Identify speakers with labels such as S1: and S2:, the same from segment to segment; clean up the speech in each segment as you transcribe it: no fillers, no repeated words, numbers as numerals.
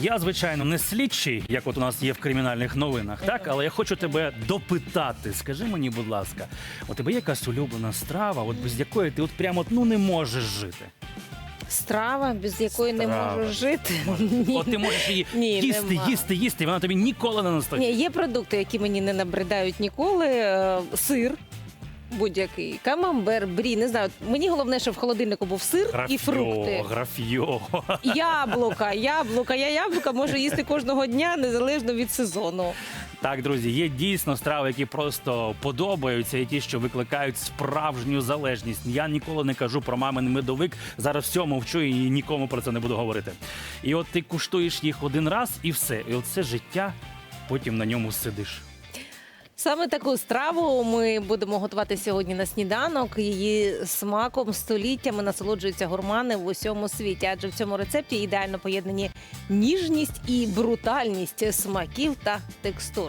S1: Я, звичайно, не слідчий, як от у нас є в кримінальних новинах, так? Але я хочу тебе допитати. Скажи мені, будь ласка, у тебе є якась улюблена страва, от без якої ти от прямо не можеш жити?
S2: Страва, без якої не
S1: Страва.
S2: можу жити.
S1: От ти можеш її
S2: Ні,
S1: їсти,
S2: нема.
S1: їсти, і вона тобі ніколи не
S2: Ні,
S1: настоїть.
S2: є продукти, які мені не набридають ніколи. Сир будь-який, камамбер, брі, не знаю. Мені головне, щоб в холодильнику був сир і фрукти.
S1: Графьо.
S2: Яблука. Я яблука можу їсти кожного дня, незалежно від сезону.
S1: Так, друзі, є дійсно страви, які просто подобаються, і ті, що викликають справжню залежність. Я ніколи не кажу про мамин медовик, зараз все мовчу і нікому про це не буду говорити. І от ти куштуєш їх один раз і все. І от це життя, потім на ньому сидиш.
S2: Саме таку страву ми будемо готувати сьогодні на сніданок. Її смаком століттями насолоджуються гурмани в усьому світі, адже в цьому рецепті ідеально поєднані ніжність і брутальність смаків та текстур.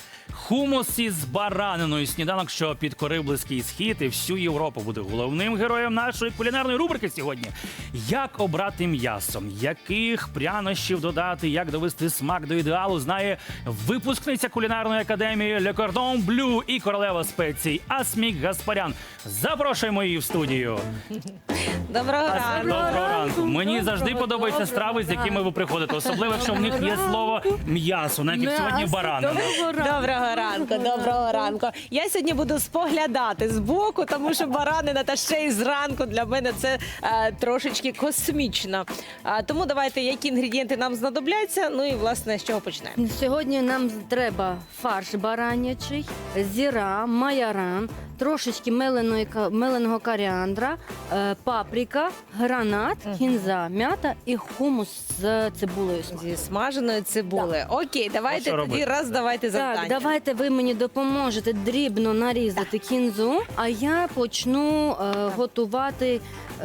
S1: Хумус із бараниною. Сніданок, що підкорив Близький Схід і всю Європу, буде головним героєм нашої кулінарної рубрики сьогодні. Як обрати м'ясо, яких прянощів додати, як довести смак до ідеалу, знає випускниця кулінарної академії Le Cordon Bleu і королева спецій Асмік Гаспарян. Запрошуємо її в студію.
S2: Доброго ранку!
S1: Доброго ранку. Мені завжди подобаються страви, з якими ви приходите. Особливо, якщо в них є слово м'ясо, навіть як сьогодні баранина.
S2: Доброго ранку, доброго ранку. Я сьогодні буду споглядати збоку, тому що баранина та ще й зранку для мене це трошечки космічно. Тому давайте, які інгредієнти нам знадобляться, ну і власне з чого почнемо.
S3: Сьогодні нам треба фарш баранячий, зіра, майоран, трошечки меленого коріандра, паприка, гранат, кінза, м'ята і хумус з цибулею.
S2: Зі смаженої цибули. Окей, давайте
S1: що
S2: тоді
S1: робити?
S2: давайте завдання.
S3: Так, давайте ви мені допоможете дрібно нарізати кінзу, а я почну готувати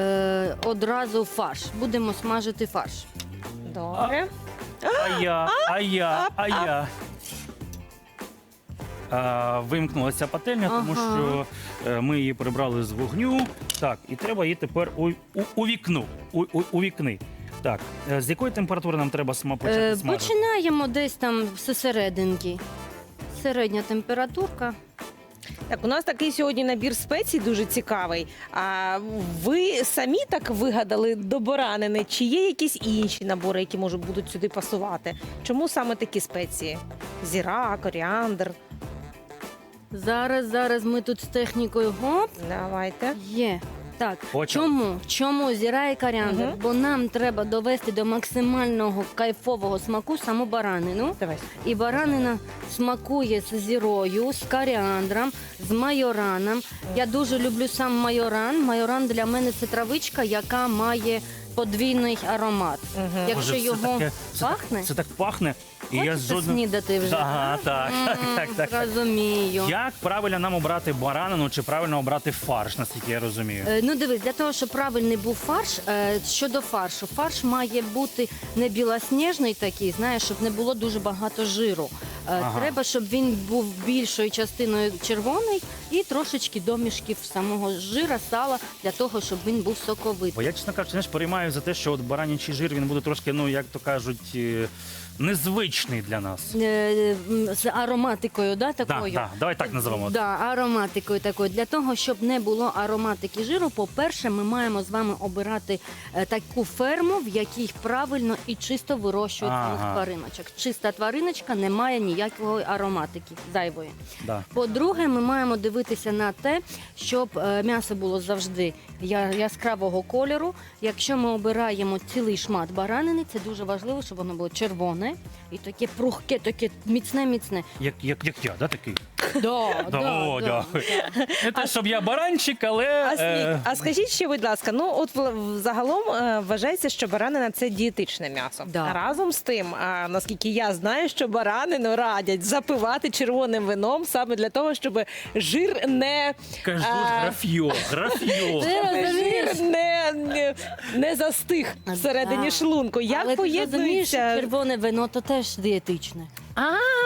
S3: одразу фарш. Будемо смажити фарш.
S2: Добре.
S1: А я. Вимкнулася пательня, тому
S3: Ага.
S1: що ми її прибрали з вогню. Так, і треба її тепер у вікни. Так, з якої температури нам треба почати смажити?
S3: Починаємо десь там зсерединки. Середня температурка.
S2: Так, у нас такий сьогодні набір спецій дуже цікавий. А ви самі так вигадали до баранини? Чи є якісь інші набори, які будуть сюди пасувати? Чому саме такі спеції? Зіра, коріандр.
S3: Зараз ми тут з технікою гоп.
S2: Давайте.
S3: Є. Так,
S1: Почали.
S3: чому зіра і коріандр?
S2: Мгм.
S3: Бо нам треба довести до максимального кайфового смаку саму баранину.
S2: Давай.
S3: І баранина смакує з зірою, з коріандром, з майораном. Я дуже люблю сам майоран. Майоран для мене це травичка, яка має подвійний аромат.
S2: Мгм.
S3: Якщо
S1: Боже,
S3: його
S1: це так
S3: пахне,
S1: це так пахне. І я
S3: хочете снідати вже?
S1: Ага, так.
S3: Розумію.
S1: Як правильно нам обрати баранину чи правильно обрати фарш, наскільки я розумію?
S3: Ну дивись, для того, щоб правильний був фарш, щодо фаршу, фарш має бути не білосніжний такий, знаєш, щоб не було дуже багато жиру.
S1: Ага.
S3: Треба, щоб він був більшою частиною червоний і трошечки домішків самого жира, сала, для того, щоб він був соковитий.
S1: Бо я, чесно кажучи, знаєш, переймаю за те, що от баранячий жир, він буде трошки, ну, як то кажуть, незвичний для нас.
S3: З ароматикою, да, такою?
S1: Так, давай так називемо.
S3: Да, ароматикою такою. Для того, щоб не було ароматики жиру, по-перше, ми маємо з вами обирати таку ферму, в якій правильно і чисто вирощують
S1: Ага.
S3: своїх твариночок. Чиста твариночка не має ніякої ароматики зайвої.
S1: Да.
S3: По-друге, ми маємо дивитися на те, щоб м'ясо було завжди яскравого кольору. Якщо ми обираємо цілий шмат баранини, це дуже важливо, щоб воно було червоне і таке прухке, таке міцне.
S1: Як я, да, такий?
S3: Да,
S1: О, дякую. Не те, щоб я баранчик, але...
S2: А скажіть ще, будь ласка, ну от загалом вважається, що баранина – це дієтичне м'ясо.
S3: Да.
S2: А разом з тим, наскільки я знаю, що баранину радять запивати червоним вином саме для того, щоб жир не...
S1: Кажу, графьо.
S2: Жир не застиг всередині
S3: Да.
S2: шлунку. Як
S3: Але ти розумієш, що
S2: поєднується?
S3: червоне вино то теж дієтичне.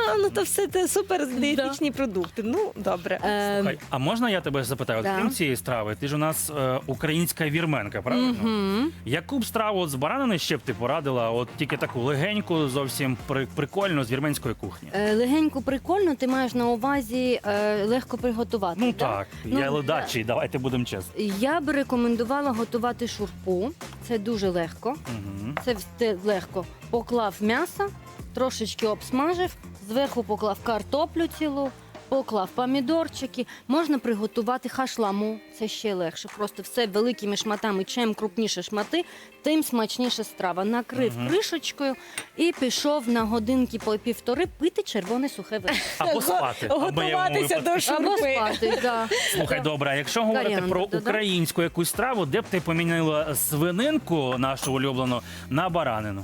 S2: ну то все це супер дієтичні продукти. Ну, добре.
S1: Слухай, а можна я тебе запитаю?
S3: Да.
S1: Крім цієї страви, ти ж у нас українська вірменка, правильно?
S3: Мгм.
S1: Яку б страву от з баранини ще б ти порадила? От тільки таку легеньку, зовсім прикольну з вірменської кухні.
S3: Легенько прикольно, ти маєш на увазі легко приготувати.
S1: Ну
S3: да?
S1: так,
S3: Ну,
S1: я ледачий, давайте будемо чесні.
S3: Я би рекомендувала готувати шурпу. Це дуже легко.
S1: Угу.
S3: Це легко. Поклав м'ясо, трошечки обсмажив, зверху поклав картоплю цілу, поклав помідорчики. Можна приготувати хашламу, це ще легше. Просто все великими шматами. Чим крупніше шмати, тим смачніша страва. Накрив кришечкою і пішов на годинки по півтори пити червоне сухе вино.
S1: Або спати. або я йому
S2: Готуватися до
S3: Або
S2: шурпи.
S3: спати, да.
S1: Слухай, добре, а якщо говорити
S3: Варіанти
S1: про
S3: додам?
S1: українську якусь страву, де б ти поміняла свининку нашу улюблену на баранину?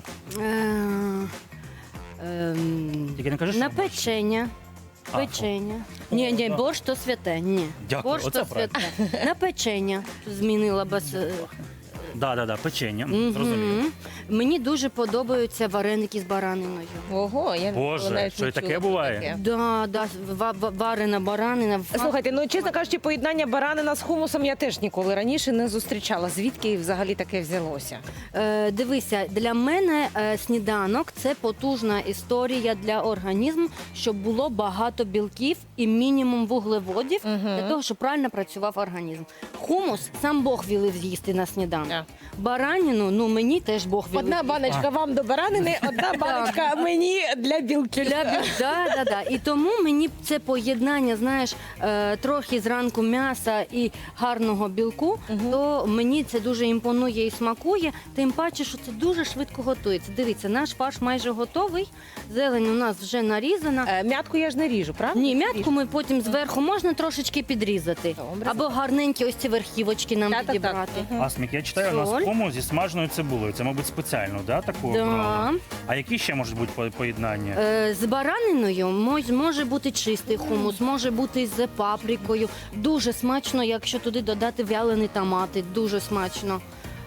S1: Тільки не кажи, що
S3: На
S1: борщ.
S3: печення.
S1: А,
S3: Печення.
S1: о.
S3: Ні,
S1: О,
S3: борщ то святе. Ні.
S1: Дякую,
S3: Борщ
S1: оце
S3: то святе. На печення змінила без.
S1: Да, печення,
S3: Мгм.
S1: зрозумів.
S3: Мені дуже подобаються вареники з бараниною.
S2: Ого, я
S1: Боже,
S2: навіть
S1: що
S2: не
S1: і таке
S2: чула про
S1: буває?
S2: таке.
S3: Да, варена баранина.
S2: Слухайте, ну чесно кажучи, поєднання баранина з хумусом я теж ніколи раніше не зустрічала. Звідки взагалі таке взялося?
S3: Дивися, для мене сніданок це потужна історія для організму, щоб було багато білків і мінімум вуглеводів для того, щоб правильно працював організм. Хумус сам Бог вілив з'їсти на сніданок.
S2: Да.
S3: Бараніну, ну мені теж Бог вілив.
S2: Одна баночка вам до баранини, одна баночка мені для білків.
S3: Да. І тому мені це поєднання, знаєш, трохи зранку м'яса і гарного білку, то мені це дуже імпонує і смакує. Тим паче, що це дуже швидко готується. Дивіться, наш фарш майже готовий. Зелень у нас вже нарізана.
S2: М'ятку я ж не ріжу, правда?
S3: Ні, м'ятку ми потім зверху можна трошечки підрізати.
S2: Добре.
S3: Або гарненькі ось ці верхівочки нам
S2: Так.
S3: підібрати.
S1: Асмік, я читаю, у нас
S3: Соль.
S1: хумус зі смаженою цибулею. Це, мабуть, спеціально, да, таку
S3: Да.
S1: обрали? А які ще можуть бути поєднання?
S3: З бараниною може бути чистий хумус, може бути з паприкою. Дуже смачно, якщо туди додати вялені томати. Дуже смачно.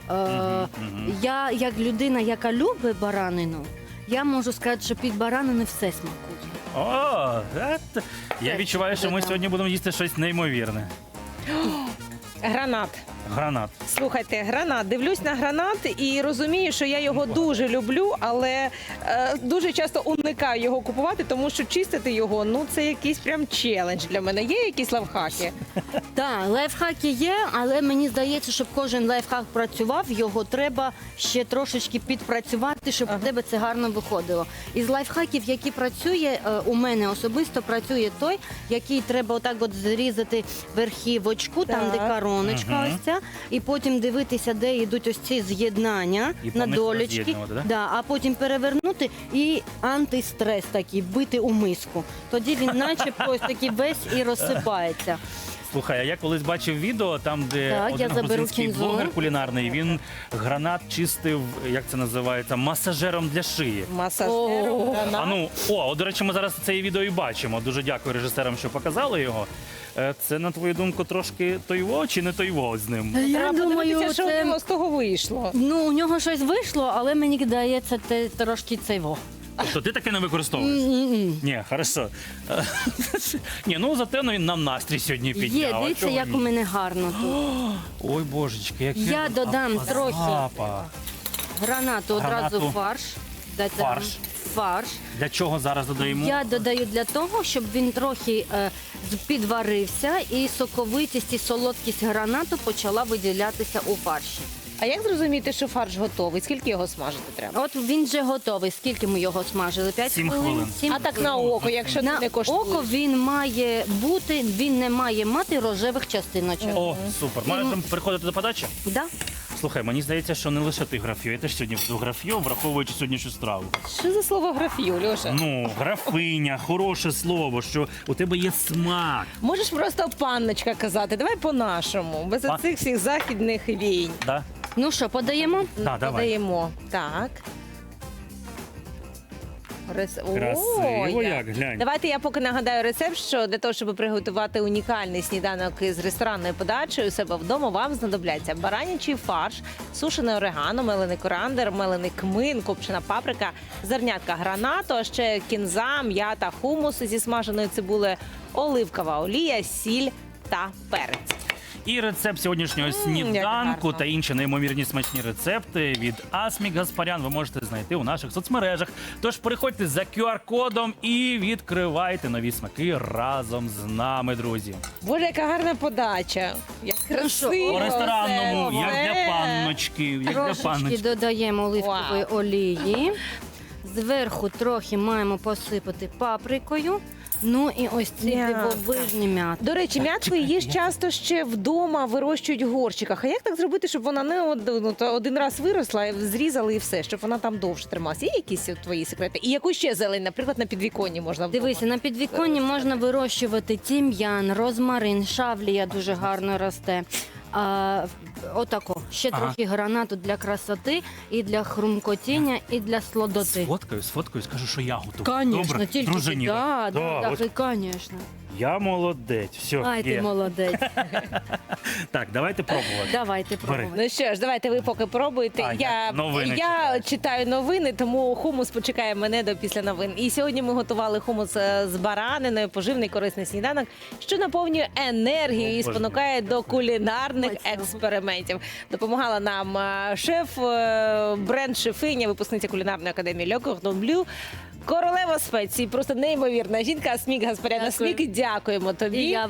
S3: Я, як людина, яка любить баранину, я можу сказати, що під баранини все смакує.
S1: О, я відчуваю, що ми сьогодні будемо їсти щось неймовірне.
S2: Гранат.
S1: Гранат.
S2: Слухайте, гранат. Дивлюсь на гранат і розумію, що я його дуже люблю, але дуже часто уникаю його купувати, тому що чистити його, ну це якийсь прям челендж для мене. Є якісь лайфхаки?
S3: Так, лайфхаки є, але мені здається, щоб кожен лайфхак працював, його треба ще трошечки підпрацювати, щоб у тебе це гарно виходило. Із лайфхаків, які працює, у мене особисто працює той, який треба отак от зрізати верхівочку, там де
S2: Так.
S3: короночка ось ця, і потім дивитися, де йдуть ось ці з'єднання
S1: І
S3: на
S1: повністю
S3: долечки.
S1: роз'єднувати, да?
S3: Да, а потім перевернути і антистрес такий, бити у миску. Тоді він начебто ось такий весь і розсипається.
S1: Слухай, а я колись бачив відео, там, де
S3: Так, я
S1: один
S3: заберу
S1: грузинський
S3: кінзу.
S1: блогер кулінарний, він гранат чистив, як це називається, масажером для шиї.
S2: Масажером
S3: О.
S2: гранат.
S1: А ну, до речі, ми зараз це відео і бачимо. Дуже дякую режисерам, що показали його. Це, на твою думку, трошки тойво чи не тойво з ним?
S3: Я
S2: Треба
S3: думаю,
S2: подивитися, що в
S3: це...
S2: нього з того вийшло.
S3: Ну, у нього щось вийшло, але мені здається, це трошки цейво.
S1: Тобто ти таке не використовуєш? Ні, хорошо. Ні, ну зате він нам настрій сьогодні підняв.
S3: Є,
S1: а
S3: дивіться,
S1: чого
S3: як
S1: ні?
S3: у мене гарно тут.
S1: Ой, божечки, який
S3: Я додам трохи
S1: запах.
S3: гранату, одразу
S1: Гранату.
S3: фарш. Додам
S1: Фарш.
S3: Фарш.
S1: Для чого зараз додаємо?
S3: Я додаю для того, щоб він трохи підварився і соковитість і солодкість гранату почала виділятися у фарші.
S2: А як зрозуміти, що фарш готовий? Скільки його смажити треба?
S3: От він вже готовий. Скільки ми його смажили? 5
S1: 7
S3: хвилин?
S1: хвилин.
S3: 7
S2: А так на око, якщо
S3: на
S2: ти не коштуєш.
S3: око він має бути, він не має мати рожевих частиночок.
S1: О, супер. Можемо переходити до подачі?
S3: Да?
S1: Слухай, мені здається, що не лише ти граф'ю, я теж сьогодні буду граф'ю, враховуючи сьогоднішню страву.
S2: Що за слово графію, Льоша?
S1: Ну, графиня, хороше слово, що у тебе є смак.
S2: Можеш просто панночка казати, давай по-нашому, без оцих всіх західних війн.
S1: Да?
S3: Ну що, подаємо?
S1: Да, давай.
S2: Подаємо. Так.
S1: Красиво як, глянь.
S2: Давайте я поки нагадаю рецепт, що для того, щоб приготувати унікальний сніданок із ресторанною подачею у себе вдома, вам знадобляться баранячий фарш, сушене орегано, мелений корандер, мелений кмин, копчена паприка, зернятка гранату, а ще кінза, м'ята, хумус зі смаженою цибулею, оливкова олія, сіль та перець.
S1: І рецепт сьогоднішнього
S2: як
S1: сніданку
S2: гарно.
S1: та інші неймовірні смачні рецепти від Асмік Гаспарян ви можете знайти у наших соцмережах. Тож переходьте за QR-кодом і відкривайте нові смаки разом з нами, друзі.
S2: Боже, яка гарна подача. Як красиво.
S1: По ресторанному,
S2: все.
S1: як для панночки, як для
S3: Трошечки
S1: панночки.
S3: додаємо оливкової
S2: Вау.
S3: олії. Зверху трохи маємо посипати паприкою. Ну і ось ці
S2: М'ятка.
S3: дивовижні м'ята.
S2: До речі, м'ятку її ж часто ще вдома вирощують в горщиках. А як так зробити, щоб вона не один раз виросла, зрізали і все, щоб вона там довше трималася? Є якісь твої секрети? І яку ще зелень, наприклад, на підвіконні можна вдома?
S3: Дивися, на підвіконні можна вирощувати тім'ян, розмарин, шавлія дуже гарно росте. Отако. Ще
S1: Ага.
S3: трохи гранату для красоти, і для хрумкотіння, і для слодоти.
S1: Сфоткаю, скажу, що я готую.
S3: Конечно,
S1: Добре,
S3: тільки
S1: дружині.
S3: да,
S1: от
S3: конечно.
S1: я молодець. Все,
S3: Ай, ти
S1: є.
S3: молодець.
S1: Так, давайте пробувати.
S3: Давайте пробувати.
S2: Ну що ж, давайте ви поки пробуйте.
S1: А,
S2: я
S1: новини
S2: я читаю новини, тому хумус почекає мене до після новин. І сьогодні ми готували хумус з бараниною, поживний корисний сніданок, що наповнює енергію і
S1: Боже
S2: спонукає до кулінарних
S3: Смачного.
S2: експериментів. Допомагала нам шеф, бренд-шефиня, випускниця кулінарної академії Le Cordon Bleu, королева спецій, просто неймовірна жінка Асмік Гаспарян.
S3: Дякую.
S2: Асмік, дякуємо тобі.
S3: І я